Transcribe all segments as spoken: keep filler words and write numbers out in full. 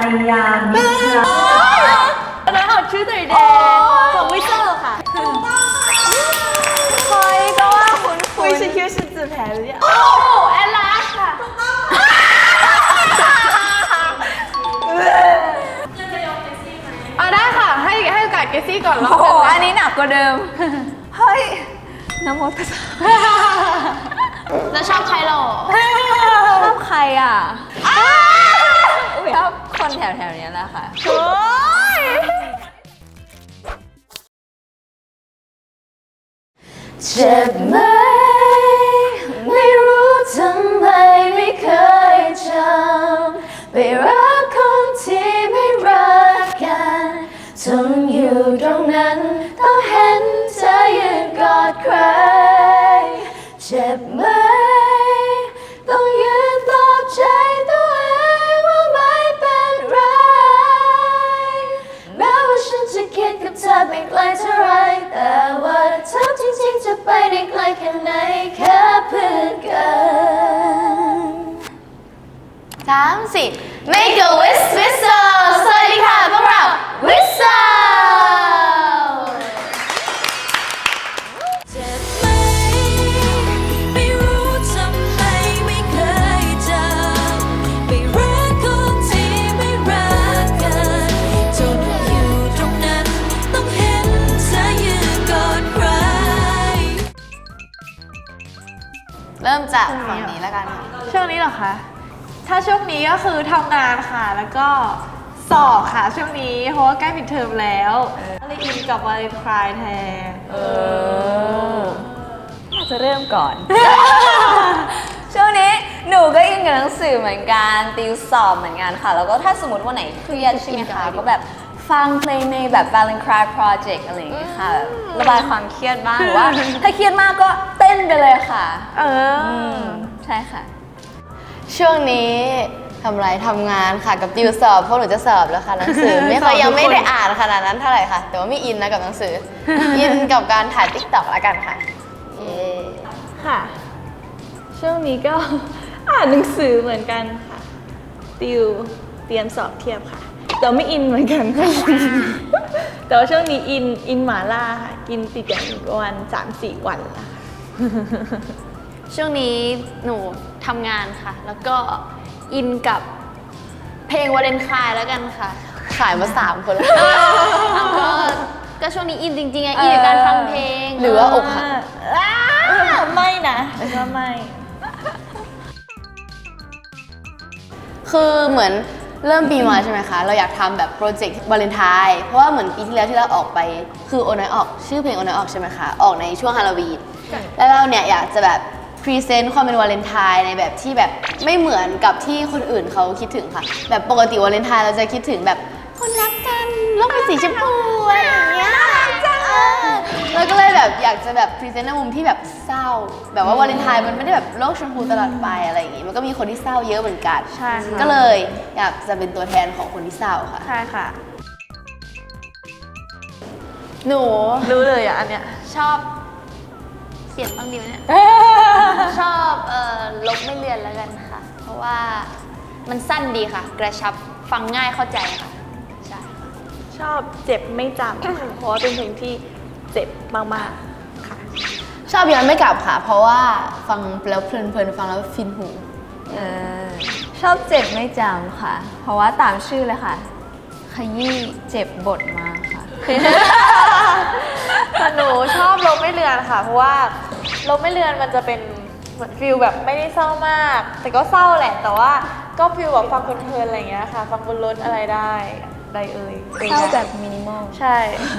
ยามิตรอันนั้นเอาชื่อตัวเองของวิเซอร์ค่ะเฮ้ยก็ว่าคุณคุวิณชคิว是自拍的呀โอ้แอนลาสค่ะอ่ะได้ค่ะให้ให้โอกาสเกซี่ก่อนรอบโอ้นึโหงอันนี้หนักกว่าเดิมเฮ้ยน้ำมดภาษาแล้วชอบใครหรอชอบใครอ่ะชอบคนแถวๆนี้แหละค่ะโอ้ยเจ็บไหมไม่รู้ทำไมไม่เคยจำไปรักคนที่ไม่รักกันทนอยู่ตรงนั้นต้องเห็นเธอยืนกอดใครเจ็บไหมต้องยืนปลอบใจตัวเองว่าไม่เป็นไรแม้ว่าฉันจะคิดกับเธอไปไกลเท่าไรแต่ว่าเธอจริงๆจะไปได้ไกลแค่ไหนแค่เพื่อนกันสามสี่ Make a wish whistle สวัสดีค่ะพวกเรา Whistleเจ็บไหมไม่รู้ทำไมไม่เคยจำไปรักคนที่ไม่รักกันจนอยู่ตรงนั้นต้องเห็นเธอยืนกอดใครเริ่มจากฝั่งนี้แล้วกันค่ะช่วงนี้เหรอคะถ้าช่วงนี้ก็คือทำงานค่ะแล้วก็สอบค่ะช่วงนี้เพราะว่าใกล้ปิดเทอมแล้วก็เลยอินกับวาเลนไทน์แทนเออน่าจะเริ่มก่อน ช่วงนี้หนูก็อินกับหนังสือเหมือนกันติวสอบเหมือนกันค่ะแล้วก็ถ้าสมมติวันไหนเครียดใช่ไหมคะก็แบบฟังเพลงในแบบ Valentine Project อะไรอย่างเงี้ยค่ะระบายความเครียดบ้างหรือว่าถ้าเครียดมากก็เต้นไปเลยค่ะเออใช่ค่ะช่วงนี้ทำไรทำงานค่ะกับติวสอบเพราะหนูจะสอบแล้วค่ะหนังสือ ไม่ค่อยยังไม่ได้อ่านขนาดนั้นเท่าไหร่ค่ะ แต่ว่าไม่อินนะกับหนังสือ อินกับการถ่ายติ๊กต็อกแล้วกันค่ะเย้ค่ะ ช่วงนี้ก็ อ่านหนังสือเหมือนกันค่ะติวเตรียมสอบเทียบค่ะแต่ไม่อินเหมือนกันค่ะ แต่ว่าช่วงนี้อินอินหมาล่าค่ะกินติดกันประมาณสามสี่วันแล้วค่ะช่วงนี้หนูทำงานค่ะ แล้วก็อินกับเพลงวาเลนไทน์แล้วกันค่ะ ขายมาสามคนแล้วก็ก็ช่วงนี้อินจริงๆไงอินกับการฟังเพลงหรือว่าอกหักไม่นะก็ไม่คือเหมือนเริ่มปีมาใช่ไหมคะ เราอยากทำแบบโปรเจกต์วาเลนไทน์เพราะว่าเหมือนปีที่แล้วที่เราออกไปคือโอนอยออกชื่อเพลงโอนอยออกใช่ไหมคะออกในช่วงฮาโลวีนแล้วเราเนี่ยอยากจะแบบพรีเซนต์ความเป็นวาเลนไทน์ในแบบที่แบบไม่เหมือนกับที่คนอื่นเขาคิดถึงค่ะแบบปกติวาเลนไทน์เราจะคิดถึงแบบคนรักกันโลกเป็นสีชมพูอะไรอย่างเงี้ยแล้วก็เลยแบบอยากจะแบบพรีเซนต์ในมุมที่แบบเศร้าแบบว่าวาเลนไทน์มันไม่ได้แบบโลกชมพูตลอดไปอะไรอย่างงี้มันก็มีคนที่เศร้าเยอะเหมือนกันใช่ค่ะก็เลยอยากจะเป็นตัวแทนของคนที่เศร้าค่ะใช่ค่ะหนูรู้เลยอ่ะอันเนี้ยชอบเปลี่ยนบ้างดีไหมเนี่ย ชอบเอ่อลบไม่เลือนแล้วกันค่ะ เพราะว่ามันสั้นดีค่ะ กระชับฟังง่ายเข้าใจค่ะใช่ค่ะชอบเจ็บไม่จำค่ะเพราะว่าเป็นเพลงที่เจ็บมากๆค่ะชอบย้อนไม่กลับค่ะ เพราะว่าฟังแล้วเพลินๆฟังแล้วฟินหูเออชอบเจ็บไม่จำค่ะ เพราะว่าตามชื่อเลยค่ะ ขยี้เจ็บบทมากค่ะแต่หนูชอบลบไม่เลือนค่ะ เพราะว่าลบไม่เลือนมันจะเป็นเหมือนฟิลแบบไม่ได้เศร้ามาก แต่ก็เศร้าแหละ แต่ว่าก็ฟิลแบบฟังเพลินๆอะไรอย่างเงี้ยค่ะ ฟังบนรถอะไรได้ได้เอ่ยเศร้าแบบมินิมอลใช่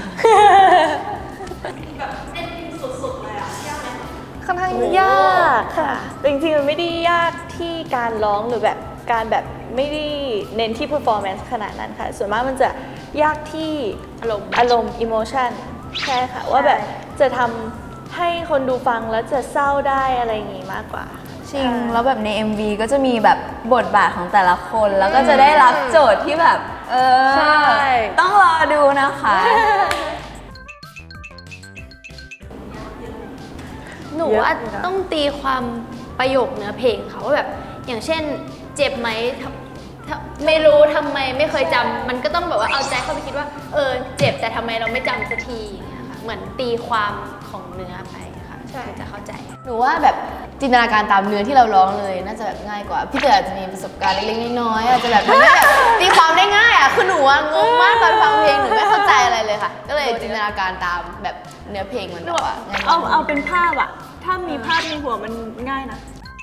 ค่อนข้างยากค่ะแต่จริงๆมันไม่ได้ยากที่การร้องหรือแบบการแบบไม่ได้เน้นที่ performance ขนาดนั้นค่ะ ส่วนมากมันจะยากที่อารมณ์อารมณ์ emotion ใช่ค่ะ ว่าแบบจะทำให้คนดูฟังแล้วจะเศร้าได้อะไรอย่างงี้มากกว่าจริงแล้วแบบใน เอ็ม วี ก็จะมีแบบบทบาทของแต่ละคน แล้วก็จะได้รับโจทย์ที่แบบ เออใช่ต้องรอดูนะคะหนูว่าต้องตีความประโยคเนื้อเพลงค่ะว่าแบบอย่างเช่นเจ็บไหมไม่รู้ทำไมไม่เคยจำมันก็ต้องแบบว่าเอาใจเข้าไปคิดว่าเออเจ็บแต่ทำไมเราไม่จำสักทีอย่างเงี้ยค่ะเหมือนตีความของเนื้อไปค่ะใช่จะเข้าใจหนูว่าแบบจินตนาการตามเนื้อที่เราร้องเลยน่าจะแบบง่ายกว่าพี่เต๋ออาจจะมีประสบการณ์เล็กๆน้อยๆอาจจะแบบทำให้แบบตีความได้ง่ายอ่ะคือหนูอะงงมากตอนฟังเพลงหนูไม่เข้าใจอะไรเลยค่ะก็เลยจินตนาการตามแบบเนื้อเพลงมันแบบว่าง่ายเอาเอาเป็นภาพอะถ้ามีภาพในหัวมันง่ายนะ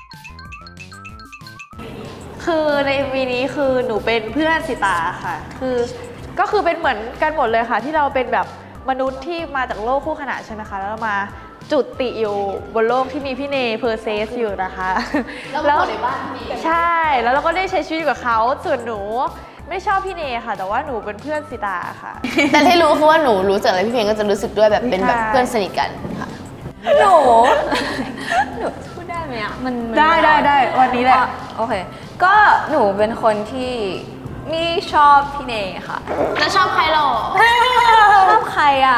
คือใน เอ็ม วี นี้คือหนูเป็นเพื่อนสิตาค่ะคือก็คือเป็นเหมือนกันหมดเลยค่ะที่เราเป็นแบบมนุษย์ที่มาจากโลกคู่ขนานใช่ไหมคะแล้วเรามาจุติอยู่บนโลกที่มีพี่เนเพอร์เซสอยู่นะคะแล้วในบ้านพี่เนใช่แล้วเราก็ได้ใช้ชีวิตกับเขาส่วนหนูไม่ชอบพี่เนค่ะแต่ว่าหนูเป็นเพื่อนสิตาค่ะแต่ที่รู้คือว่าหนูรู้จักอะไรพี่เพลงก็จะรู้สึกด้วยแบบเป็นแบบเพื่อนสนิทกันค่ะหนูหนูพูดได้ไหมอ่ะมันได้ได้ได้วันนี้แหละโอเคก็หนูเป็นคนที่ไม่ชอบพี่เนค่ะแล้วชอบใครหรอชอบใครอ่ะ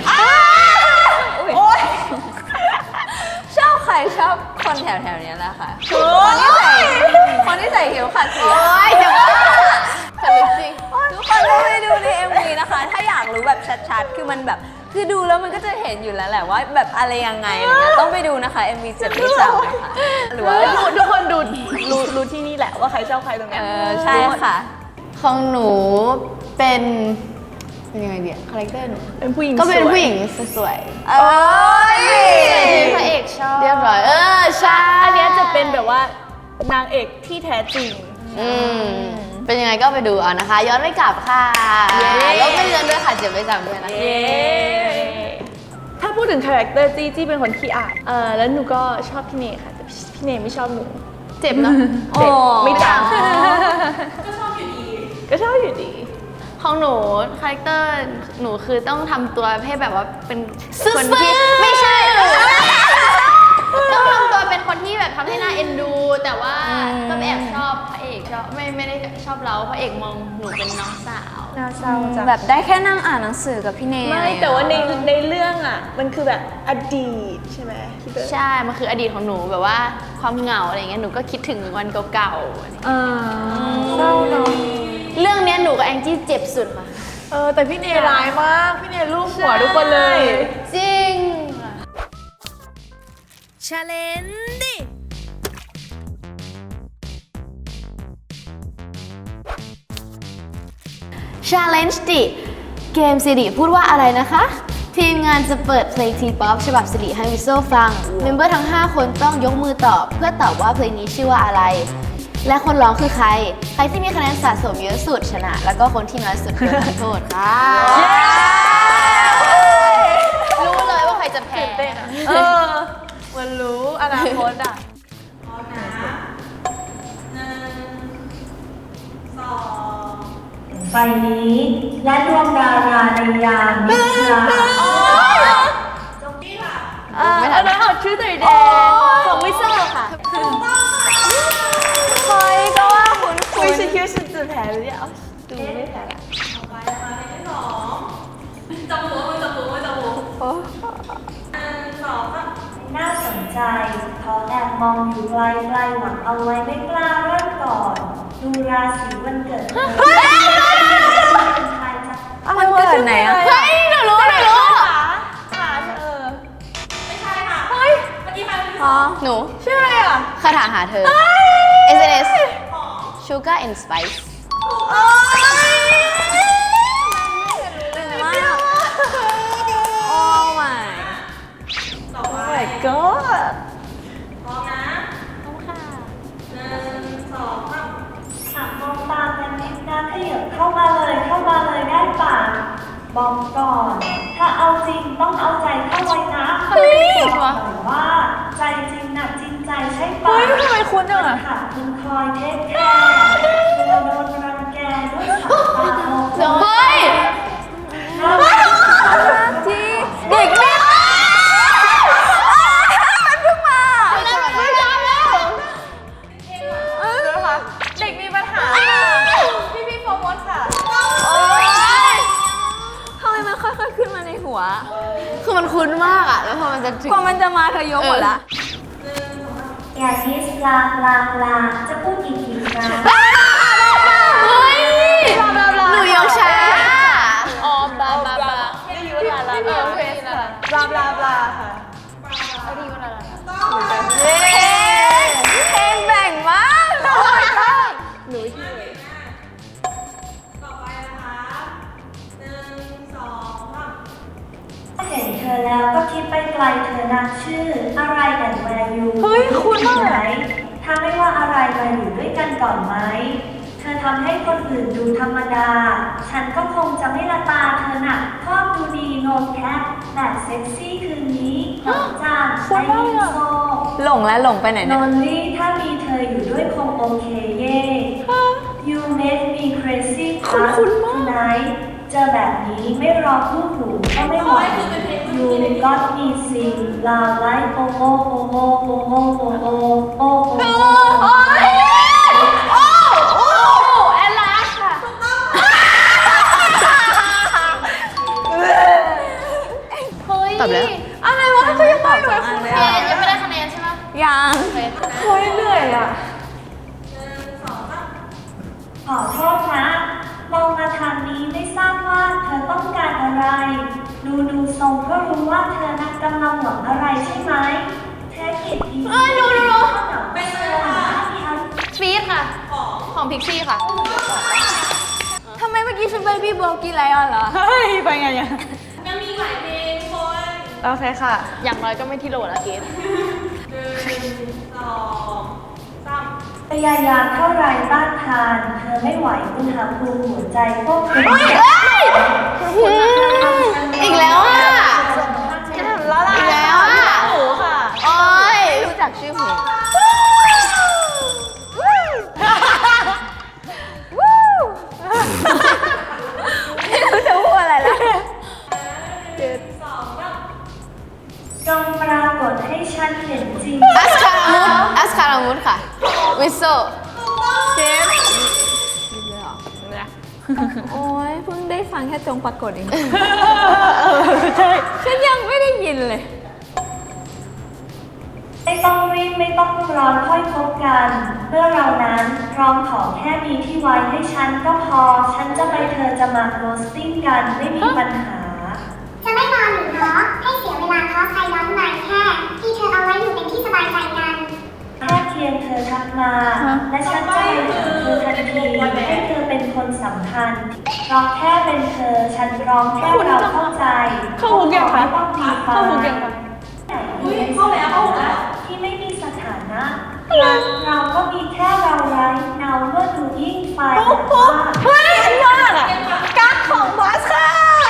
ชอบใครชอบคนแถวแถวนี้แหละค่ะคนที่ใส่คนที่ใส่เข็มขัดสีโอ้ยเดี๋ยวว่าสนุกจริงทุกคนต้องไปดูใน เอ็ม วี นะคะถ้าอยากรู้แบบชัดๆคือมันแบบคือดูแล้วมันก็จะเห็นอยู่แล้วแหละว่าแบบอะไรยังไงอะไรเงี้ยต้องไปดูนะคะ เอ็ม วี เจ็บไม่จำนะคะหรือว่าทุกคนดูรู้รู้ที่นี่แหละว่าใครชอบใครตรงนี้เออใช่ค่ะของหนูเป็นเป็นยังไงเดียคาแรคเตอร์หนูเป็นผู้หญิงก็เป็นผู้หญิงสวยๆโอ้ยพระเอกชอบเรียบร้อยเออใช่อันนี้จะเป็นแบบว่านางเอกที่แท้จริงอืมเป็นยังไงก็ไปดูเอานะคะย้อนไม่กลับค่ะแล้วไม่เลือนด้วยค่ะเจ็บไม่จำด้วยนะถ้าพูดถึงคาแรคเตอร์จี้จี้เป็นคนขี้อายเออแล้วหนูก็ชอบพี่เนค่ะแต่พี่เนไม่ชอบหนูเจ็บเนาะเจ็บไม่จำก็ชอบอยู่ดีก็ชอบอยู่ดีของหนูคาแรคเตอร์หนูคือต้องทำตัวให้แบบว่าเป็นคนที่ไม่ใช่ต้องทำตัวเป็นคนที่แบบทำให้น่าเอ็นดูแต่ว่าก็แอบชอบพระเอกชอบไม่ไม่ได้ชอบเราพระเอกมองหนูเป็นน้องสาวน่าเศร้าจังแบบได้แค่นั่งอ่านหนังสือกับพี่เนยไม่แต่ว่าในในเรื่องอ่ะมันคือแบบอดีตใช่ไหมใช่มันคืออดีตของหนูแบบว่าความเหงาอะไรเงี้ยหนูก็คิดถึงวันเก่าๆอ่าเศร้าเนาะเรื่องนี้หนูกับแองจี้เจ็บสุดค่ะเออแต่พี่เนร้ายมากพี่เนลูบหัวทุกคนเลยจริงชาเลนจ์ชาเลนจ์ดิเกมสิริพูดว่าอะไรนะคะทีมงานจะเปิดเพลงทีป๊อปฉบับสิริให้วิโซฟังเมมเบอร์ทั้งห้าคนต้องยกมือตอบเพื่อตอบว่าเพลงนี้ชื่อว่าอะไรและคนร้องคือใครใครที่มีคะแนนสะสมเยอะสุดชนะแล้วก็คนที่น้อยสุดโดนทำโทษค่ะรู้เลยว่าใครจะแพ้เออมันรู้อนาคตอ่ะพร้อมนะหนึ่งสองไฟนี้และดวงดาราในยามนิทราจงที่ค่ะไม่ทันแล้วเอาชื่อตัวแดงของวิเซอร์ค่ะเฮ้ยก็ว่าคุณคุณไม่ใช่คิดว่าฉันจะแพ้หรือยังดูไม่แพ้ละต่อไปมาเพลงที่สองจับหัวมือจับหัวมือจับหัวหนึ่งสองน่าสนใจขอแอบมองอยู่ไกลไกลหวังเอาไว้ไม่กล้าเริ่มก่อนดูราศีวันเกิดมันเกิดไหนอ่ะเฮ้ยหนูรู้หนูรู้ขาเออไม่ใช่ค่ะเฮ้ยเมื่อกี้มาหนูชื่ออะไรอ่ะคาถาหาเธอ เอส เอ็น เอส Sugar and Spice โอ้ my my god พร้อมนะพร้อมค่ะหนึ่งสองสามหากมองตากันนิดนะขยับเข้ามาเลยเข้ามาเลยได้ป่ะบอกก่อนถ้าเอาจริงต้องเอาใจเข้าไว้นะบอกว่าใจจริงหนักจริงใจใช่ป่ะเฮ้ยทำไมคุณอ่ะค่ะคุณคอยเทคแคร์ตัวโดนรังแกด้วยสายตามองเฮ้ยที่เด็กแม่มันเพิ่งมาไม่จำแล้วเออค่ะเด็กมีปัญหาพี่พี่โฟมดค่ะโอ๊ยทำไมมันค่อยๆขึ้นมาในหัวคือมันคุ้นมากอะแล้วพอมันจะถึงกว่ามันจะมาเธอยกหมดละอย่าคิดลางลางลางจะพูดอีกทีครั้งหนูยกช้าอ๋อบลาบลาบลาไม่รู้ว่าลาลาโอเคค่ะบลาบลาบลาค่ะเย้เพลงแบ่งมากหนูที่เลยเห็นเธอแล้วก็คิดไปไกลเธอนักชื่ออะไรกันแวร์ยูเฮ้ยคุ้นมากไหมถ้าไม่ว่าอะไรมาอยู่ด้วยกันก่อนไหมเธอทำให้คนอื่นดูธรรมดา ฉันก็คงจะไม่ละตาเธอหนักชอบดูดีโนแคปแบบเซ็กซี่คืนนี้หอมจางไอยินโซหลงแล้วหลงไปไหนนเนี่ยนลี่ถ้ามีเธออยู่ด้วยคงโอเคเย่ You make me crazy ครับ tonight เจอแบบนี้ไม่รอคู่หูก็ไม่ไหว You got me sing loud like โอโอโอโอโอโอโอโอโอโอแอนลาสค่ะตอบแล้วอะไรวะเขายังไม่รู้เอ๊ะยังไม่ได้คะแนนใช่ไหมยังเฮ้ยเหนื่อยอ่ะขอโทษนะมองมาทางนี้ไม่ทราบว่าเธอต้องการอะไร ดูดูทรงก็รู้ว่าเธอนักกำลังหวังอะไรใช่ไหมแท็กเก็ตดีเอ้ยดูดูเป็นอะไรคะฟีดค่ะ ของพิกซี่ค่ะทำไมเมื่อกี้ฉันเบบี้โบกี้ไลออนเหรอเฮ้ย ไปไงอ่ะมันมีหลายเพลงคนโอเคค่ะอย่างน้อยก็ไม่ที่โหลละเกดพยายามเท่าไรต้านทาน เธอไม่ไหวอุณหภูมิหัวใจควบคุมอีกแล้วอ่ะแล้วล่ะอีกแล้วอ่ะหนูค่ะโอ๊ยรู้จักชื่อเพลงไม่รู้จะพูดอะไรแล้วจงปรากฏให้ฉันเห็นจริงอัสคารามุดอัสคารามุดค่ะ วิโซเจฟโอ้ยเพิ่งได้ฟังแค่จงปรากฏเองเออใช่ฉันยังไม่ได้ยินเลยไม่ต้องรีบไม่ต้องร้อนค่อยพบกันเมื่อเรานั้นพร้อมขอแค่มีที่ไว้ให้ฉันก็พอ ฉันจะไปเธอจะมาโรสติ้งกันไม่มีปัญหาจะไม่นอนหรือเหรอให้เสียเวลาเพราะใครย้อนมาแค่ที่เธอเอาไว้อยู่เป็นที่สบายใจกันแค่เพียงเธอทักมา และฉันจะไปหาเธอทันทีให้เธอเป็นคนสำคัญร้องแค่เป็นเธอ ฉันร้องแค่เราเข้าใจเข้าหุกยังคะต้องดีไฟเข้าหุกยังคะเข้าแล้วเข้าแล้วที่ไม่มีสถานะรักเราก็มีแค่เราไร้เนาเมื่อดูยิ่งไฟแบบว่าเฮ้ยมากอ่ะกั๊กของบอสค่ะ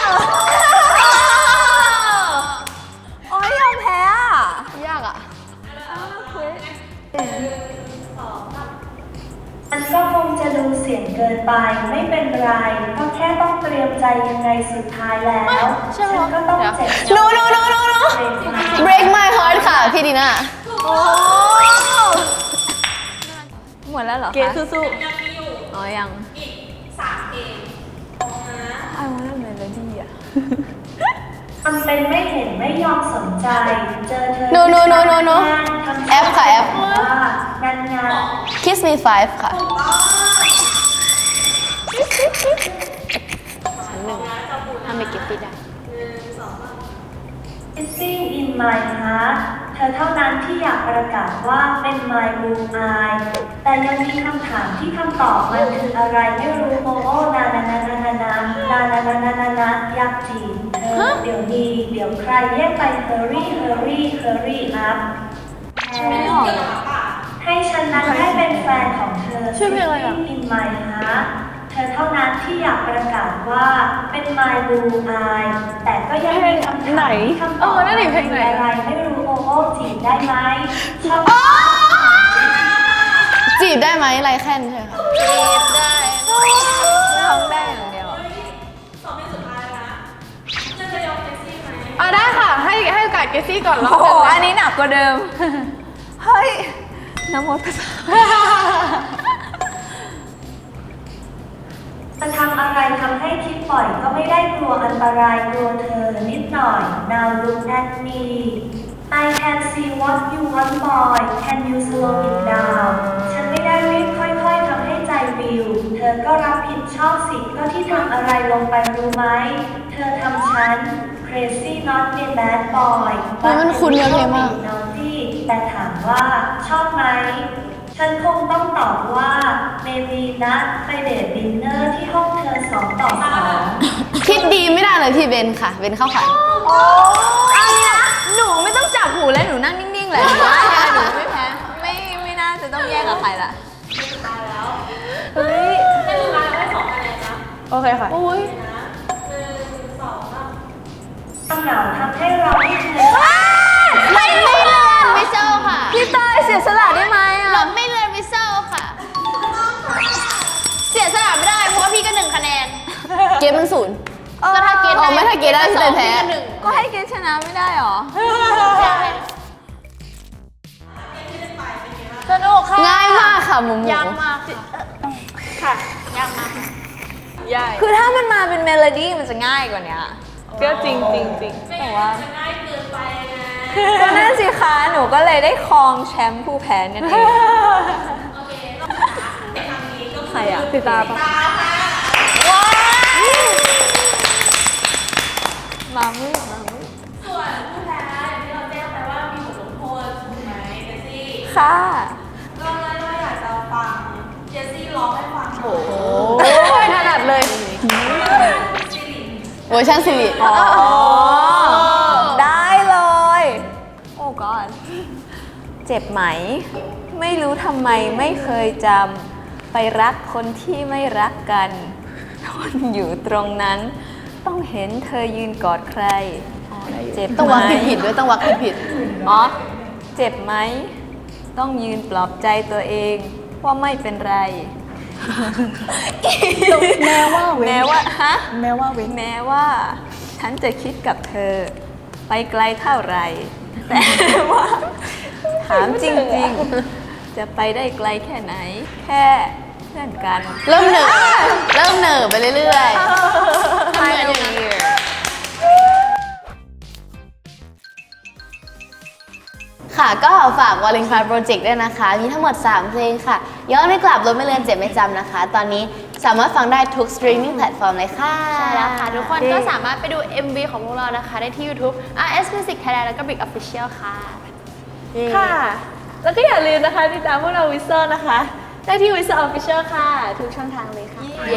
โอ้ยยอมแพ้อ่ะยากอ่ะมันก็คงจะดูเสียงเกินไปไม่เป็นไร ก็แค่ต้องเตรียมใจยังไงสุดท้ายแล้ว ฉันก็ต้องเจ็บ no no no no no break my heart ค่ะ พี่ดีน่าโอ้หมดแล้วเหรอคะเกดสู้อ๋อยัง อีกสามเพลงไอ้วันนั้นเมโลดี้อ่ะมันเป็นไม่เห็นไม่ยอมสนใจ เจอเธอ no no no no no ทำแอปค่ะแอปว่านั่นไง kiss me five ค่ะชั้นหนึ่งถ้าไม่เก็บติดได้ Kissing in my heart เธอเท่านั้นที่อยากประกาศว่าเป็น my blue eye แต่ยังมีคำถามที่คำตอบมันคืออะไรไม่รู้โมโอนานานานานานานานานานานานาอยากจีบเธอเดี๋ยวนี้เดี๋ยวใครเรียกไป hurry hurry hurry up ไม่ออกเลยให้ฉันนั้นได้เป็นแฟนของเธอ Kissing in my heart เธอเท่านั้นที่อยากประกาศว่าเป็น my blue eye แต่ก็ยังมีคำถามที่คำตอบมันคืออะไรไม่รู้โมโอจีบได้ไหมชอบจีบได้ไหมไรแค่นใช่ไหมคะร้องได้อย่างเดียวอ่ะได้ค่ะ ให้ให้โอกาสเกซี่ก่อนรอบโอ้โหกันเลยอันนี้หนักกว่าเดิม เฮ้ยน้ำมดภาษาจะทำอะไรทำให้คิดปล่อยก็ไม่ได้กลัวอันตรายกลัวเธอนิดหน่อย Now look at me I can see what you want boy Can you slow it down ฉันไม่ได้รีบค่อยๆทำให้ใจวิว เธธอก็รับผิดชอบสิก็ที่ทำอะไรลงไปรู้ไหม เธอทำฉัน crazy not a bad boy เฮ้ยมันคุ้นเนื้อเพลงมาก naughty แต่ถามว่าชอบไหม ฉันคงต้องตอบว่า maybe นะไปเดทดินเนอร์ที่ห้องเธอสองต่อสองคิดดีไม่ได้เลยพี่เบนค่ะ เบนเข้าขันเอางี้นะ หนูไม่ต้องจับหูแล้วหนูนั่งนิ่งๆเลยหนูว่าหนูไม่แพ้ ไม่ไม่น่าจะต้องแยกกับใครละเฮ้ยให้ลูกค้าได้สองคะแนนนะโอเคค่ะหนึ่งสองสามความเหงาทำให้เราไม่เคยไม่เลือนวิเซลค่ะพี่เต้ยเสียสละได้ไหมอ่ะเราไม่เลือนวิเซลค่ะ เสียสละไม่ได้เพราะว่าพี่ก็หนึ่งคะแนน เกมมันศูนย์ ก็ถ้าเกมอ๋ได้อไม่ถ้าเกมได้สองพี่เต้ยแพ้พี่ก็หนึ่งก็ให้เกมชนะไม่ได้หรอสนุกค่ะง่ายมากค่ะหมูหมูยากมากค่ะยากมากใหญ่คือถ้ามันมาเป็นเมโลดี้มันจะง่ายกว่านี้ก็จริงจริงจริงแต่ว่าจะง่ายเกินไปไงก็นั่นสิคะ หนูก็เลยได้ครองแชมป์ผู้แพ้นั่นเองโอเคต้องทางนี้ก็ใครอ่ะติดตาปะตาค่ะมามืดมามืดส่วนผู้แพ้อย่างที่เราแจ้งไปว่ามีบทลงโทษถูกไหมเจสซี่ค่ะก็เลยว่าอยากจะฟังเจสซี่ร้องให้ฟังโอ้โหโอ้ยถนัดเลยซิริเวอร์ชันสิริอ๋อ ได้เลย โอ้ก่อนเจ็บไหม ไม่รู้ทำไมไม่เคยจำไปรักคนที่ไม่รักกันทนอยู่ตรงนั้น ต้องเห็นเธอยืนกอดใคร เจ็บไหมต้องวักผิดๆด้วยต้องวักผิดอ๋อ เจ็บไหม ต้องยืนปลอบใจตัวเองว่าไม่เป็นไรแม้ว่าเว้นแม้ว่าฮะแม้ว่าเว้นแม้ว่าฉันจะคิดกับเธอ ไปไกลเท่าไหรแต่ว่า ถามจริงๆ จะไปได้ไกลแค่ไหน แค่เพื่อนกันๆ เริ่มเหนื่อยเริ่มเหนื่อยไปเรื่อยๆ I know you ค่ะก็ฝาก Valentine Project ด้วยนะคะ มีทั้งหมด สาม เพลงค่ะ ย้อนไม่กลับรถไม่เลือนเจ็บไม่จำนะคะ ตอนนี้สามารถฟังได้ทุก streaming platform เลยค่ะใช่แล้วค่ะ ทุกคนก็สามารถไปดู เอ็ม วี ของพวกเรานะคะ ได้ที่ YouTube อาร์ เอส Music Thailand แล้วก็ Big Official ค่ะค่ะ แล้วก็อย่าลืมนะคะติดตามพวกเราวิสเซอร์นะคะ ได้ที่วิสเซอร์ออฟฟิเชียลค่ะ ทุกช่องทางเลยค่ะเย้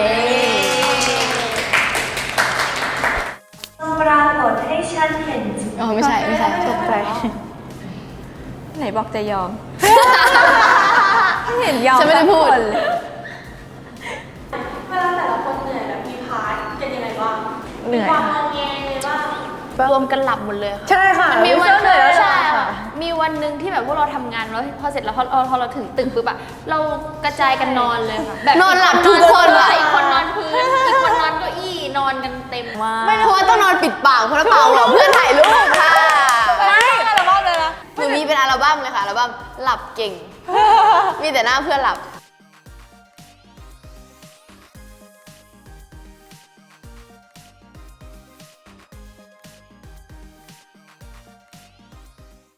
ปรากฏให้ฉันเห็นจุดอ๋อไม่ใช่ไม่ใช่ตกใจไหนบอกจะยอม ไม่เห็นยอมฉันไม่ได้พูดสักคนเลยเวลาแต่ละคนเหนื่อยแบบมีพาร์ทเป็นยังไงบ้างเหนื่อยความค่ะงอแงเลยบ้างรวมกันหลับหมดเลยค่ะใช่ค่ะมันมีวันเหนื่อยแล้วใช่ค่ะค่ะมีวันหนึ่งที่แบบพวกเราทำงานแล้วพอเสร็จแล้วพอพอเราถึงตึกปุ๊บอะเรากระจายกันนอนเลยค่ะแบบนอนหลับทุกคนนอะอีกคนนอนพื้นอีกคนนอนเก้าอี้นอนกันเต็มไม่เพราะว่าต้องนอนปิดปากเพราะว่าเปล่าหรอกเพื่อนถ่ายรูปค่ะไม่อัลบั้มเลยนะหนูมีเป็นอัลบั้มเลยค่ะอัลบั้มหลับเก่ง มีแต่หน้าเพื่อนหลับ